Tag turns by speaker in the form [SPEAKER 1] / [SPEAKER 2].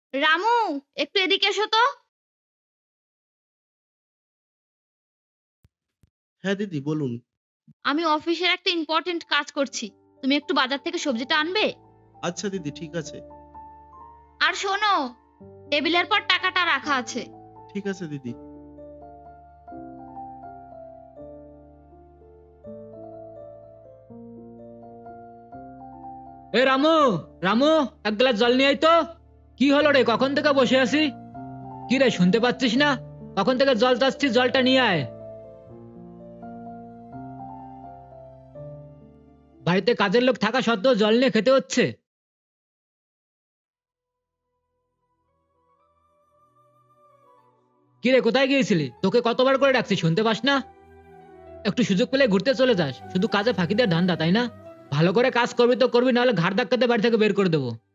[SPEAKER 1] রামু, একটু এদিকে এসো তো।
[SPEAKER 2] হ্যাঁ দিদি বলুন।
[SPEAKER 1] আমি অফিসের একটা ইম্পর্টেন্ট কাজ করছি। তুমি একটু বাজার থেকে সবজিটা আনবে?
[SPEAKER 2] আচ্ছা দিদি ঠিক আছে।
[SPEAKER 1] আর শোনো, টেবিলের পর টাকাটা রাখা আছে।
[SPEAKER 2] ঠিক আছে দিদি।
[SPEAKER 3] এ রামু, রামু, এক গ্লাস জল নিয়ে আয় তো। কি হলো রে, কখন থেকে বসে আছি? কি রে, শুনতে পাচ্ছিস না? কখন থেকে জল চাচ্ছি, জলটা নিয়ে আয়। বাড়িতে কাজের লোক থাকা সত্ত্বেও জল নিয়ে খেতে হচ্ছে। কি রে, কোথায় গিয়েছিলি? তোকে কতবার করে ডাকছি, শুনতে পাস না? একটু সুযোগ পেলে ঘুরতে চলে যাস, শুধু কাজে ফাঁকি দেওয়ার ধান্দা, তাই না? ভালো করে কাজ করবি তো করবি, নাহলে ঘাড় ধাক্কাতে বাড়ি থেকে বের করে দেবো।